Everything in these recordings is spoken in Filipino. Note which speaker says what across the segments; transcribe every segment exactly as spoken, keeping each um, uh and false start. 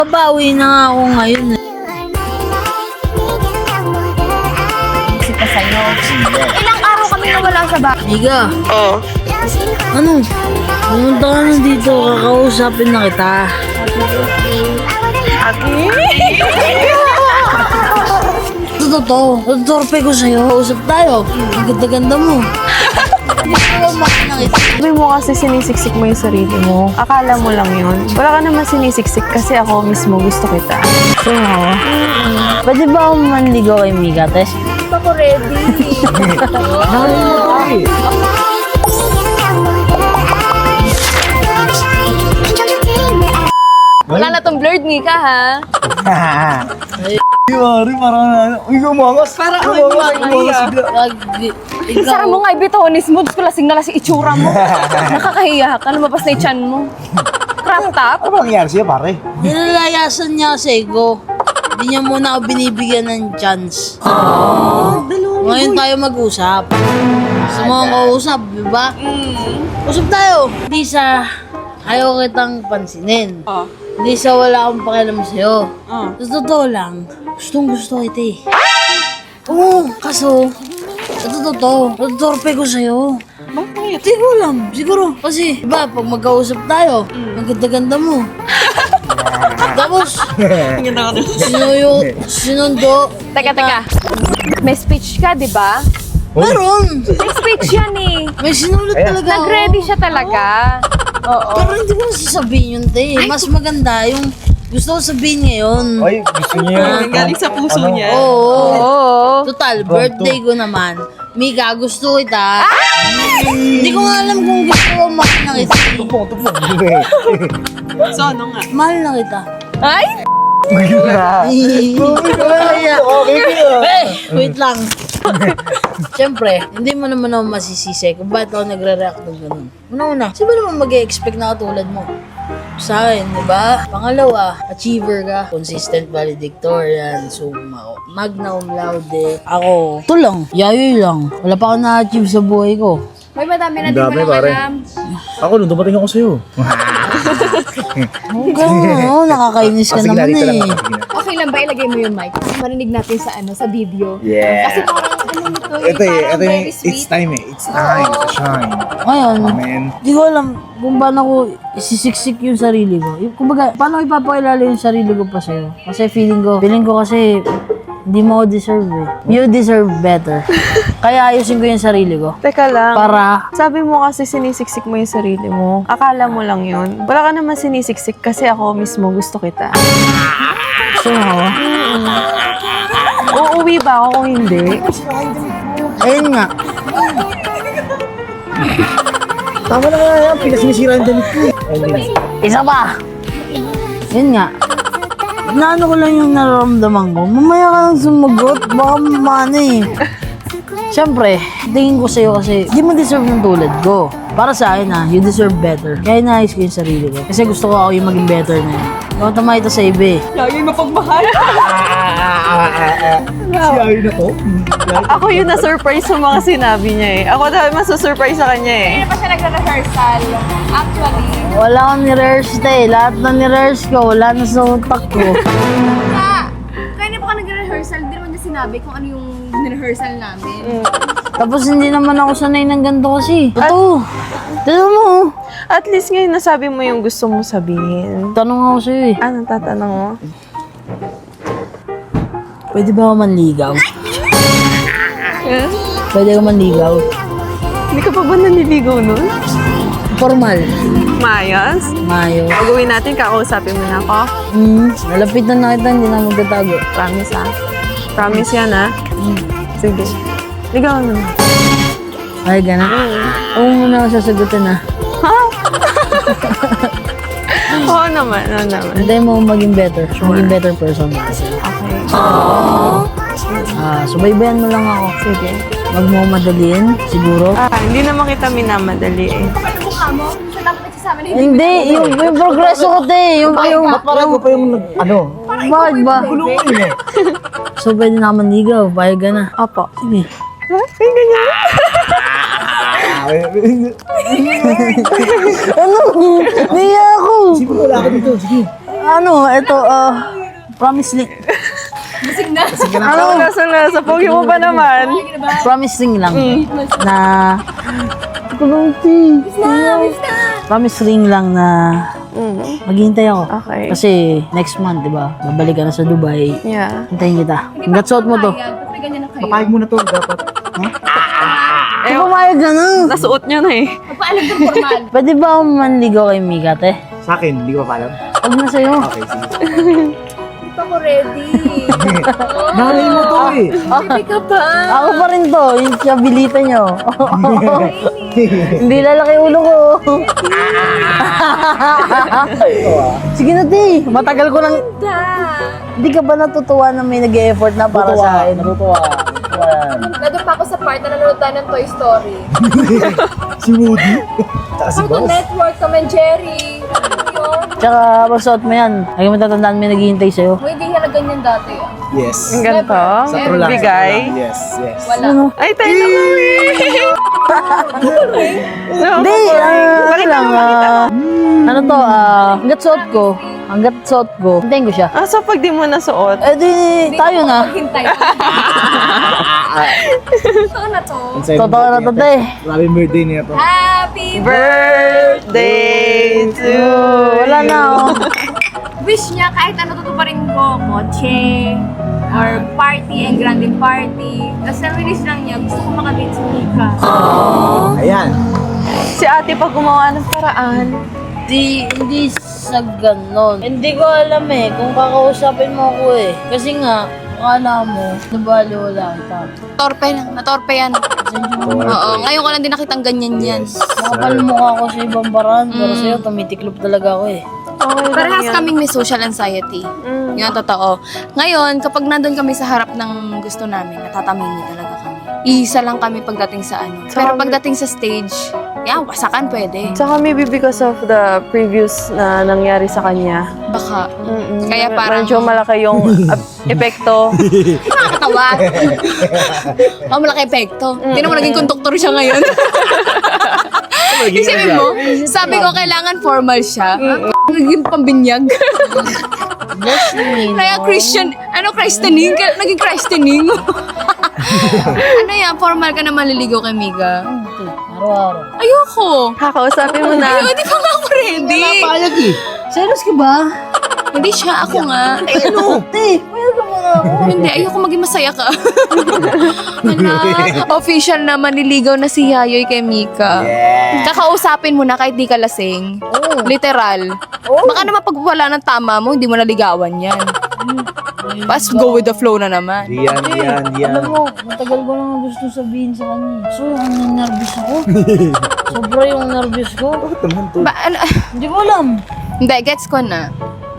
Speaker 1: Babawi na nga ako ngayon eh.
Speaker 2: Kasi pa sa'yo. Ilang araw kami nawala sa bahay.
Speaker 1: Miga,
Speaker 3: Oo.
Speaker 1: ano? Pumunta ka na dito, kakausapin na kita. Ito totoo, tutorpe ko sa'yo. Usap tayo, ang ganda-ganda mo. Hindi ko makita.
Speaker 3: Sabi mo kasi sinisiksik mo yung sarili mo. Akala mo lang yun. Wala ka naman sinisiksik kasi ako mismo gusto kita.
Speaker 1: So, pwede ba akong manligaw kay Miga, Tess?
Speaker 2: Hindi pa ko ready. Wala na tong blurred, Mika, ha?
Speaker 4: Yari, parang ano. Uy, umangas. Parang umangas. Umangas bigla.
Speaker 1: Wag,
Speaker 2: Sara mo nga, ibitonis mo. Diyos ko, lasing na lasing itsura mo. Nakakahiya ka, lumabas na yung tiyan mo. Crop top?
Speaker 4: Ano ba nangyari sa'yo, pare?
Speaker 1: Nilalayasan niya kasi ko. Hindi niya muna ako binibigyan ng chance. Ngayon tayo mag-usap. Gusto mo akong kausap, di ba? Usap tayo. Hindi sa ayaw kitang pansinin.
Speaker 3: Oh.
Speaker 1: Hindi sa wala akong pakialam sa'yo.
Speaker 3: Oh.
Speaker 1: Sa totoo lang, gustong gusto kita eh. Oo, kaso, sa totoo, tutorpe ko sa'yo.
Speaker 3: Bakit?
Speaker 1: Hindi ko alam, siguro. Kasi, diba, pag magkausap tayo, ang ganda-ganda mo. Tapos, sinuyo, sinundo.
Speaker 2: Teka, teka. May speech ka, di ba?
Speaker 1: Meron!
Speaker 2: May speech yan eh.
Speaker 1: May sinulat talaga ako.
Speaker 2: Nag-ready siya talaga. Oo.
Speaker 1: Pero hindi ko na sasabihin yun, te. Mas maganda yung gusto ko sabihin ngayon.
Speaker 4: Ay, gusto niya yun.
Speaker 3: Galing sa puso
Speaker 4: Ano?
Speaker 3: niya.
Speaker 1: Oo.
Speaker 2: Oo.
Speaker 1: Total, birthday ko naman. Mika, gusto kita. Hindi ko nga alam kung gusto ko mahal na kita.
Speaker 4: Tupong, tupong.
Speaker 3: So, ano nga?
Speaker 1: Mahal na kita.
Speaker 2: Ay!
Speaker 1: Kaya.
Speaker 4: Okay ka.
Speaker 1: Eh, wait lang. Siyempre, hindi mo naman ako masisisi kung bakit ako nagre-react ng ganun. Una-una, sino ba naman mag-e-expect na katulad mo? Sa akin, di ba? Pangalawa, achiever ka. Consistent valedictorian. So, ma- magna cum laude. Ako, ito lang. Yayoy lang. Wala pa ako na-achieve sa buhay ko.
Speaker 2: May madami na
Speaker 4: Ang
Speaker 2: din mo
Speaker 4: dami,
Speaker 2: lang
Speaker 4: pare.
Speaker 2: alam.
Speaker 4: Ako, nung dumating ako sa'yo.
Speaker 1: Oo, oh, nakakainis ka
Speaker 4: Ah, sige na,
Speaker 1: naman
Speaker 4: dito lang
Speaker 1: eh.
Speaker 4: ako. Sige na.
Speaker 2: Okay lang ba ilagay mo yung mic? Marinig natin sa ano, sa video.
Speaker 4: Yeah.
Speaker 2: Kasi parang ano nito, eh,
Speaker 4: Ito eh,
Speaker 2: parang
Speaker 4: ito yung,
Speaker 2: very
Speaker 4: it's
Speaker 2: sweet.
Speaker 4: time eh. It's time to shine.
Speaker 1: Ngayon,
Speaker 4: Amen.
Speaker 1: hindi ko alam kung paano ko isisiksik yung sarili ko. Yung, kumbaga, paano ko ipapakilala yung sarili ko pa sa'yo? Kasi feeling ko, feeling ko kasi hindi mo ako deserve eh. You deserve better. Kaya ayusin ko yung sarili ko.
Speaker 3: Teka lang.
Speaker 1: Para,
Speaker 3: Sabi mo kasi sinisiksik mo yung sarili mo. Akala mo lang yun. Wala ka naman sinisiksik kasi ako mismo gusto kita.
Speaker 1: gusto mo ako?
Speaker 3: Uuwi ba ako kung hindi?
Speaker 1: Ayun nga.
Speaker 4: Tama na nga yan. Pinasinisira yung damit ko eh.
Speaker 1: Isa pa. Yun nga. Naano ko lang yung nararamdaman ko. Mamaya ka nang sumagot. Baka mamana eh. Siyempre, tingin ko sa'yo kasi di mo deserve ng tulad ko. Para sa akin ah, you deserve better. Kaya naayos ko yung sarili ko. Kasi gusto ko ako yung maging better na yun. Huwag tama ito sa iba eh.
Speaker 3: Lagi mapagmahal.
Speaker 4: Si Ayo na to.
Speaker 3: Ako yung na-surprise sa mga sinabi niya eh. Ako dahil masusurprise sa kanya eh.
Speaker 2: Hindi pa siya nagre-rehearsal. Actually,
Speaker 1: Wala akong nirehearse eh. Lahat na nirehearse ko, wala na sa utak ko.
Speaker 2: ka! Kaya na pa ka nagre-rehearsal, hindi naman niya sinabi kung ano yung rehearsal namin.
Speaker 1: Tapos hindi naman ako sanay ng ganito kasi. Ito. Tignan mo.
Speaker 3: At least ngayon nasabi mo yung gusto mo sabihin.
Speaker 1: Tanong ako sa'yo eh.
Speaker 3: Anong tatanong mo?
Speaker 1: Pwede ba ako manligaw?
Speaker 3: Eh?
Speaker 1: Pwede ako manligaw?
Speaker 3: Hindi ka pa ba naniligaw nun?
Speaker 1: Formal.
Speaker 3: Mayas?
Speaker 1: Mayo.
Speaker 3: Pag-uwi natin, kakausapin mo na ako.
Speaker 1: Hmm, malapit na nakita, hindi na magtatago.
Speaker 3: Promise ha? Promise yan ha? Sige. Ligaw na.
Speaker 1: Ay, gana. Oo muna ako sasagutin ah.
Speaker 3: Ha? Oo naman, oo naman.
Speaker 1: Hintayin mo maging better. Maging better person kasi.
Speaker 3: Okay.
Speaker 1: Ah, subaybayan mo lang ako.
Speaker 3: Sige.
Speaker 1: Wag mo madaliin, siguro.
Speaker 3: Ah, hindi naman kita minamadali eh.
Speaker 2: Ano mukha mo? Siya dapat nagsasama na
Speaker 1: Hindi, yung, yung progreso ko, te. Yung, yung,
Speaker 4: Parang ko pa yung nag- ano.
Speaker 1: bakit ba? So, pwede na ako manligaw. Bayag ka na.
Speaker 3: Opo.
Speaker 1: Sige.
Speaker 3: Ha? Ay, ganyan?
Speaker 1: Ano? Niya ako.
Speaker 4: Sige, wala ka dito. Sige.
Speaker 1: ano, ito, ah, promise ring.
Speaker 3: Ano, nasa na, sa pogi mo ba naman?
Speaker 1: Promise ring lang. Na, promise ring lang na
Speaker 3: Mm.
Speaker 1: maghihintay ako.
Speaker 3: Okay.
Speaker 1: Kasi next month, di ba? Babalik ka na sa Dubai.
Speaker 3: Yeah.
Speaker 1: Hintayin kita. Hanggat suot mo to.
Speaker 4: Papayag mo na to, dapat.
Speaker 1: Eh, pumayag ka na.
Speaker 3: Nasuot niya na eh.
Speaker 1: Pwede ba akong manligaw kay Mika, te?
Speaker 4: Sa akin, hindi ko pa alam.
Speaker 1: Huwag na sa'yo.
Speaker 4: Okay, sige.
Speaker 2: Ako ready.
Speaker 4: Nanay mo to eh.
Speaker 2: Hindi ka pa.
Speaker 1: Ako pa rin to, yung chabilita nyo. Hindi lalaki ulo ko. Sige na, te. Matagal ko lang. Hindi ka ba natutuwa na may nag-e-effort na para sa akin?
Speaker 4: Natutuwa. Natutuwa yan.
Speaker 2: Nandun pa ako sa part na nanonood tayo ng Toy Story.
Speaker 4: Si Woody. Tsaka si
Speaker 2: Cartoon
Speaker 4: Boss.
Speaker 2: Network, Tom and Jerry. Yun.
Speaker 1: Tsaka pagsuot mo yan, ay matatandaan may naghihintay sa'yo.
Speaker 2: Kung hindi ka na ganyan dati ah.
Speaker 4: Yes.
Speaker 3: Ang ganito.
Speaker 4: Sa true lang. sa
Speaker 3: Bigay.
Speaker 4: true lang. Yes, yes.
Speaker 2: Wala.
Speaker 3: Ay, tayo na kami.
Speaker 1: Hindi, ah, ano lang, ah, ano to, ah, hanggat suot ko, hanggat suot ko, hintayin ko siya.
Speaker 3: Ah, so pag di mo nasuot,
Speaker 1: Eh di, tayo na.
Speaker 2: Hintay. Ito na to.
Speaker 4: Ang sa'yo ng
Speaker 1: Totoo na to, te.
Speaker 4: Happy birthday niya to.
Speaker 2: Happy
Speaker 3: birthday to
Speaker 1: Oh, wala na, oh.
Speaker 2: wish niya kahit ano tutuparin ko, kotse, or party, and granding party. Tapos ang wish lang niya, gusto ko makadate si Mika.
Speaker 4: Ayan.
Speaker 3: Si ate pag gumawa ng paraan.
Speaker 1: Di, hindi sa ganon. Hindi ko alam eh, kung kakausapin mo ako eh. Kasi nga, akala mo, nabali wala kita.
Speaker 2: Torpe lang, natorpe yan. Oo, ngayon ko lang din nakitang ganyan yan.
Speaker 1: Nakapalmukha ako sa ibang baran, pero sa'yo, tumitiklop talaga ako eh.
Speaker 3: Okay lang
Speaker 2: Parehas
Speaker 3: yan.
Speaker 2: kaming may social anxiety.
Speaker 3: Mm.
Speaker 2: Yun ang totoo. Ngayon, kapag nandun kami sa harap ng gusto namin, natatamingi talaga kami. Isa lang kami pagdating sa ano. Pero pagdating sa stage, yan, wasakan pwede.
Speaker 3: Tsaka maybe because of the previous na nangyari sa kanya.
Speaker 2: Baka.
Speaker 3: Mm-mm.
Speaker 2: Kaya parang-
Speaker 3: Medyo malaki yung ap- epekto.
Speaker 2: Nakakatawa. Ang malaki epekto. Hindi naman naging konduktor siya ngayon. Isipin mo, sabi ko kailangan formal siya. Naging pambinyag.
Speaker 1: Bless me,
Speaker 2: Kaya
Speaker 1: no?
Speaker 2: Christian, ano Christianing? Kaya Naging Christianing. Ano yan, formal ka na maliligaw kay Miga?
Speaker 1: Ito, araw-araw.
Speaker 2: Ayoko.
Speaker 3: Kakausapin mo na.
Speaker 2: Ayoko, di pa nga ako ready.
Speaker 4: Payag eh.
Speaker 1: Serious ka ba?
Speaker 2: Hindi siya, ako nga.
Speaker 1: Eh, ano? Te, mayroon ka muna ako.
Speaker 2: Hindi, ayoko maging masaya ka. Hala, official na manliligaw na si Yayoy kay Mika. Kakausapin mo na kahit di ka lasing.
Speaker 1: Oo.
Speaker 2: Literal. Baka naman pag wala ng tama mo, hindi mo naligawan yan. Pas go with the flow na naman.
Speaker 4: Diyan, diyan, diyan.
Speaker 1: Alam mo, matagal ko lang gusto sabihin sa kanya. So, ang nervous ako. Sobra yung nervous ko.
Speaker 4: Bakit naman to?
Speaker 2: Ba, ano,
Speaker 1: Hindi ko alam.
Speaker 2: hindi, gets ko na.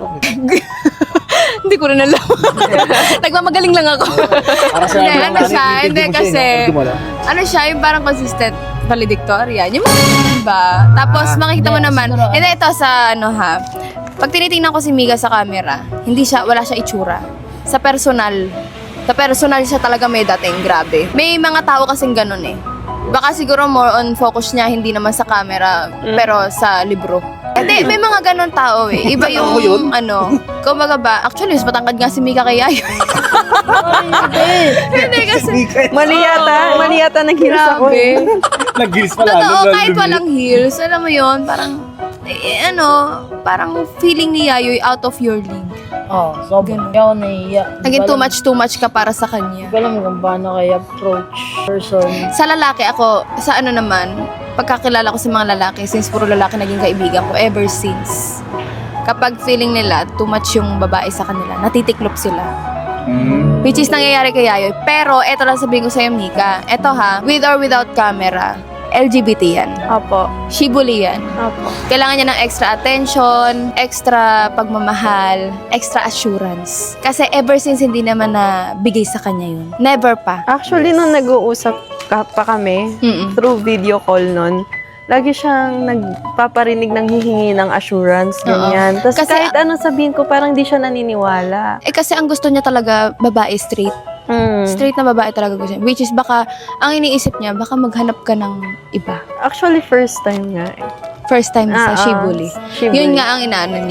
Speaker 2: Hindi ko rin alam. Nagmamagaling lang ako.
Speaker 4: Para sa
Speaker 2: Hindi,
Speaker 4: akin,
Speaker 2: ano siya,
Speaker 4: ano,
Speaker 2: hindi
Speaker 4: mo siya,
Speaker 2: kasi,
Speaker 4: eh, no? Hindi mo alam.
Speaker 2: ano siya, yung parang consistent valedictorian. Yung mga, diba? Tapos makikita mo
Speaker 1: hindi,
Speaker 2: naman,
Speaker 1: siguro,
Speaker 2: hindi, ito sa, ano ha, pag tinitingnan ko si Miga sa camera, hindi siya, wala siya itsura. Sa personal, sa personal siya talaga may dating, grabe. May mga tao kasing ganun eh. Baka siguro more on focus niya, hindi naman sa camera, pero sa libro. Hindi, may mga ganun tao eh. Iba
Speaker 4: Ako yun?
Speaker 2: yung, ano, kumbaga ba, actually, mas matangkad nga si Mika kay Yayo.
Speaker 1: Ay, hindi.
Speaker 2: Hindi kasi,
Speaker 3: Mali yata. Mali yata nag-heels ako.
Speaker 2: grabe.
Speaker 4: Nag-gills pala.
Speaker 2: Totoo,
Speaker 4: lalo,
Speaker 2: kahit
Speaker 4: lalo,
Speaker 2: walang heels, alam mo yon parang, eh, ano, parang feeling ni Yayoy out of your league.
Speaker 1: Oh, sobra.
Speaker 2: Ganun.
Speaker 1: Kaya ako naiiyak.
Speaker 2: Naging
Speaker 1: Hindi
Speaker 2: too
Speaker 1: ko alam-
Speaker 2: much, too much ka para sa
Speaker 1: Hindi
Speaker 2: kanya.
Speaker 1: ko alam kung paano kayo approach person.
Speaker 2: Sa lalaki ako, sa ano naman, pagkakilala ko sa mga lalaki, since puro lalaki naging kaibigan ko, ever since. Kapag feeling nila, too much yung babae sa kanila, natitiklop sila.
Speaker 4: Mm.
Speaker 2: Which is nangyayari kay Yayoy. Pero, eto lang sabihin ko sa'yo, Mika. Eto ha, with or without camera, L G B T yan.
Speaker 3: Opo.
Speaker 2: Shibuli yan.
Speaker 3: Opo.
Speaker 2: Kailangan niya ng extra attention, extra pagmamahal, extra assurance. Kasi ever since hindi naman na bigay sa kanya yun. Never pa.
Speaker 3: Actually, nung nag-uusap ka pa kami,
Speaker 2: Mm-mm.
Speaker 3: through video call nun, lagi siyang nagpaparinig ng hihingi ng assurance, ganyan. Tapos
Speaker 2: Kasi-
Speaker 3: kahit anong sabihin ko, parang di siya naniniwala.
Speaker 2: Eh kasi ang gusto niya talaga babae straight.
Speaker 3: Mm.
Speaker 2: Straight na babae talaga gusto niya. Which is baka, ang iniisip niya, baka maghanap ka ng iba.
Speaker 3: Actually, first time nga eh.
Speaker 2: First time sa
Speaker 3: Ah, ah,
Speaker 2: Shibuli.
Speaker 3: Shibuli.
Speaker 2: Yun nga ang inaano niya.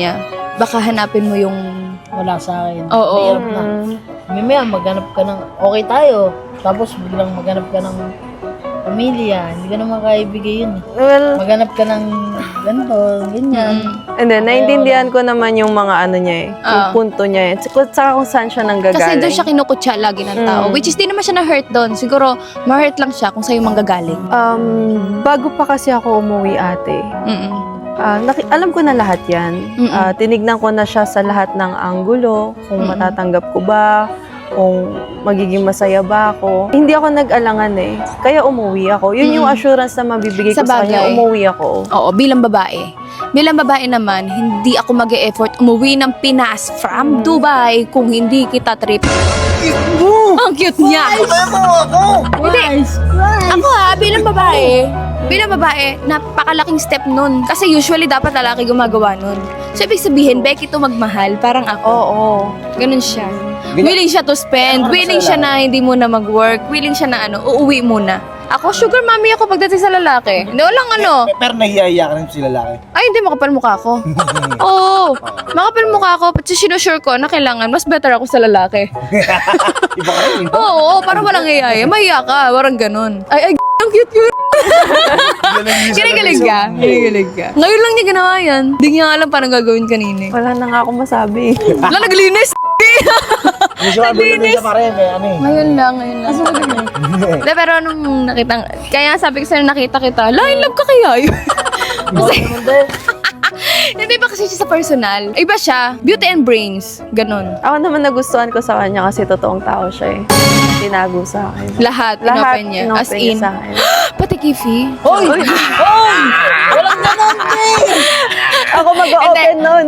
Speaker 2: baka hanapin mo yung...
Speaker 1: Wala sa akin.
Speaker 2: Oo.
Speaker 1: Mahirap na. Mamaya maghanap ka ng, okay tayo. Tapos biglang maghanap ka ng pamilya. Hindi ka naman kaibigay yun. eh.
Speaker 3: Well,
Speaker 1: Maghanap ka ng ganito, ganyan.
Speaker 3: and then, naintindihan ko naman yung mga ano niya eh. Yung
Speaker 2: Oo.
Speaker 3: punto niya eh. Saka saka kung saan siya nanggagaling.
Speaker 2: Kasi doon siya kinukutsa lagi ng tao.
Speaker 3: Mm.
Speaker 2: Which is, di naman siya na-hurt doon. Siguro, ma-hurt lang siya kung sa'yo manggagaling.
Speaker 3: Um, bago pa kasi ako umuwi ate,
Speaker 2: Mm-mm.
Speaker 3: ah, naki- alam ko na lahat yan.
Speaker 2: Mm-mm.
Speaker 3: Ah, tinignan ko na siya sa lahat ng anggulo, kung
Speaker 2: Mm-mm.
Speaker 3: matatanggap ko ba, kung magiging masaya ba ako. Hindi ako nag-alangan eh. Kaya umuwi ako. Yun yung
Speaker 2: Mm.
Speaker 3: assurance na mabibigay
Speaker 2: Sa
Speaker 3: ko sa kanya.
Speaker 2: bagay.
Speaker 3: Umuwi ako.
Speaker 2: Oo, bilang babae. Bilang babae naman, hindi ako mag-e-effort umuwi ng Pinas from Dubai kung hindi kita trip. Ang cute niya! Hindi. Ako ha, bilang babae, bilang babae, napakalaking step nun. Kasi usually dapat lalaki gumagawa nun. So, ibig sabihin, Becky to magmahal, parang ako.
Speaker 3: Oo.
Speaker 2: Ganun siya.
Speaker 4: Gina-
Speaker 2: Willing siya to spend, willing siya na hindi muna mag-work, willing siya na ano, uuwi muna. Ako, sugar mommy ako pagdating sa lalaki. Hindi, walang ano.
Speaker 4: Pero nahihiya ka rin sa lalaki.
Speaker 2: Ay, hindi, makapal mukha ko. Oo, makapal mukha ko. Pati sinusure ko na kailangan, mas better ako sa lalaki.
Speaker 4: Iba ka rin.
Speaker 2: Oo, parang walang iyaya. Mahiya ka, parang ganun. Ay, ay, ang cute yun. Kinikilig ka. Kinikilig ka. Ngayon lang niya ginawa yan. Hindi niya alam paano gagawin kanina. eh.
Speaker 3: Wala na nga akong masabi.
Speaker 2: Wala, naglinis.
Speaker 4: Hindi siya mabilis sa pare. Kaya ano eh.
Speaker 2: Ngayon lang, ngayon lang. Hindi, pero nung nakita, kaya sabi ko sa'yo, nakita kita, la, in love ka kaya yun. Kasi, hindi ba kasi siya sa personal? Iba siya, beauty and brains. Ganon.
Speaker 3: Ako naman nagustuhan ko sa kanya kasi totoong tao siya eh. Tinago sa akin.
Speaker 2: Lahat,
Speaker 3: Lahat
Speaker 2: inopen niya.
Speaker 3: inopen
Speaker 2: As
Speaker 3: niya
Speaker 2: in,
Speaker 3: sa akin.
Speaker 2: pati Kifi.
Speaker 1: Hoy! Hoy! Walang ganon, eh!
Speaker 3: Ako mag-open nun.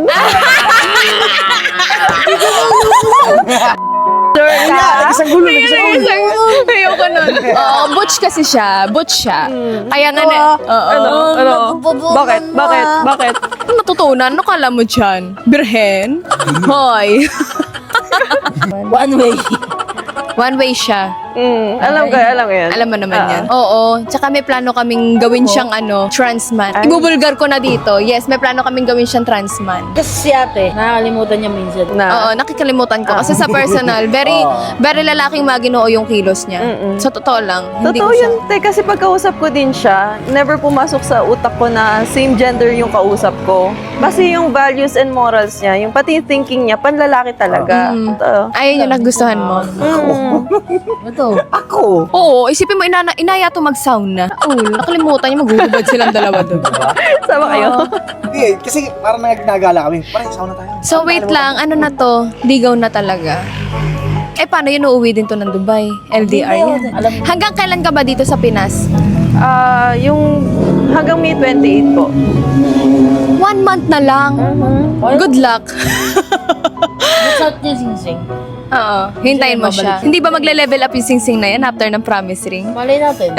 Speaker 3: Sure ka?
Speaker 4: Isang gulo. Isang gulo.
Speaker 2: Ayoko nun. Oo, butch kasi siya. Butch siya. Kaya nga na, oo.
Speaker 3: Ano? Ano?
Speaker 1: Nagpupunan
Speaker 3: Bakit?
Speaker 1: mo,
Speaker 3: Bakit?
Speaker 1: ah.
Speaker 3: Bakit?
Speaker 2: Natutunan, ano kala mo dyan? Birhen? Hoy.
Speaker 1: One way.
Speaker 2: One way siya.
Speaker 3: Mm, alam ko, alam ko yan.
Speaker 2: Alam mo naman
Speaker 3: Ah.
Speaker 2: yan. Oo. Tsaka may plano kaming gawin siyang ano, transman.
Speaker 3: Ay.
Speaker 2: Ibubulgar ko na dito. Yes, may plano kaming gawin siyang transman.
Speaker 1: Kasi si ate, nakakalimutan niya minsan.
Speaker 3: Na.
Speaker 2: Oo, nakikalimutan ko. Kasi sa personal, very, very lalaking maginoo yung kilos niya.
Speaker 3: Mm-mm.
Speaker 2: Sa totoo lang. Hindi
Speaker 3: Totoo
Speaker 2: ko siya.
Speaker 3: yun, te. Kasi pagkausap ko din siya, never pumasok sa utak ko na same gender yung kausap ko. Kasi yung values and morals niya, yung pati yung thinking niya, panlalaki talaga.
Speaker 2: Mm.
Speaker 3: Ito.
Speaker 2: Ayun yung nagustuhan mo.
Speaker 3: Mm.
Speaker 1: Ito.
Speaker 4: Ako.
Speaker 2: Oo, isipin mo, inana, inaya to mag-sauna. Oo, nakalimutan niya, maghuhubad silang dalawa doon.
Speaker 3: Sama kayo?
Speaker 4: Hindi eh. Kasi parang nag-nagala kami. Parang sauna tayo.
Speaker 2: So wait lang, ano na to? Ligaw na talaga. Eh, paano yun? Uuwi din to ng Dubai? L D R yan.
Speaker 1: Alam mo.
Speaker 2: Hanggang kailan ka ba dito sa Pinas?
Speaker 3: Ah, yung hanggang May twenty-eight po.
Speaker 2: One month na lang. Good luck.
Speaker 1: What's out niya, Singsing?
Speaker 2: Oo, hintayin mo siya.
Speaker 1: babalik.
Speaker 2: Hindi ba magle-level up yung sing-sing na yan after ng promise ring?
Speaker 1: Malay natin.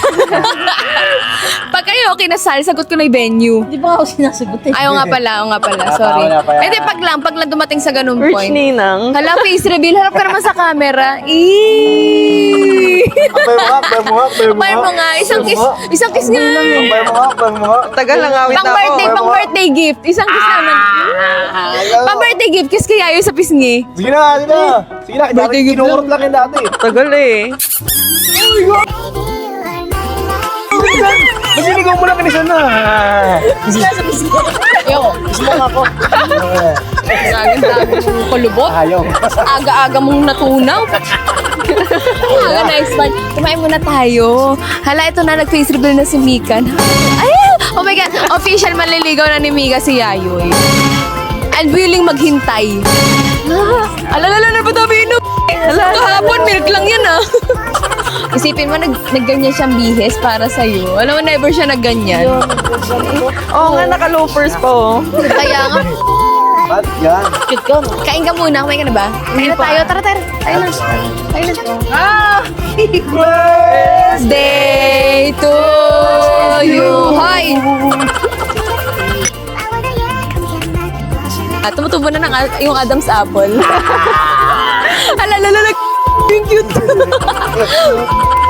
Speaker 2: Pag kayo kinasal, sagot ko na yung venue.
Speaker 1: Hindi pa ako sinasagot eh.
Speaker 2: Ayaw nga pala, ayaw nga pala, sorry.
Speaker 4: Wala pa yan.
Speaker 2: Hindi, pag lang, pag lang dumating sa ganun
Speaker 3: Rich
Speaker 2: point.
Speaker 3: Ninang.
Speaker 2: Hala, face reveal, harap ka naman sa camera. Eeeeee!
Speaker 4: Abay mo nga, abay mo nga, abay mo
Speaker 2: Abay mo nga, isang kiss, isang kiss nga.
Speaker 4: Abay mo nga, abay mo nga.
Speaker 3: Tagal lang awit
Speaker 2: Pang
Speaker 3: ako.
Speaker 2: birthday, pang birthday gift. Isang kiss naman.
Speaker 4: Ayaw.
Speaker 2: Pang birthday gift, kiss kaya yun sa pisngi.
Speaker 4: Sige na, sige na. Sige na, dati kinukurot lang yan dati.
Speaker 3: Tagal eh.
Speaker 4: Masinigaw mo lang kanisa na.
Speaker 2: Yo,
Speaker 4: Gusto mo nga ako.
Speaker 2: gaganda mong kulubot.
Speaker 4: Ayaw.
Speaker 2: Aga-aga mong natunaw. Aga, next one. Kumain muna tayo. Hala, ito na, nag-face reveal na si Mika. Ay! Oh my God! Official manliligaw na ni Mika si Yayoy. And willing maghintay. Ah, alalala na ba tabi inom? Kahapon, milk lang yan ah. Isipin mo, nag nagganyan siyang bihis para sa'yo. Alam mo, never siya nagganyan.
Speaker 3: Oo nga, naka-loafers pa oh.
Speaker 2: Kaya nga,
Speaker 4: Ba't yan?
Speaker 1: Cute ka, no?
Speaker 2: kain ka muna. Kumain ka na ba? Kain na tayo. Tara, tara. Tayo na. Tayo na. Ah! Birthday to you. Hoy! At tumutubo na ng a- yung Adam's apple. Alalala, yung cute.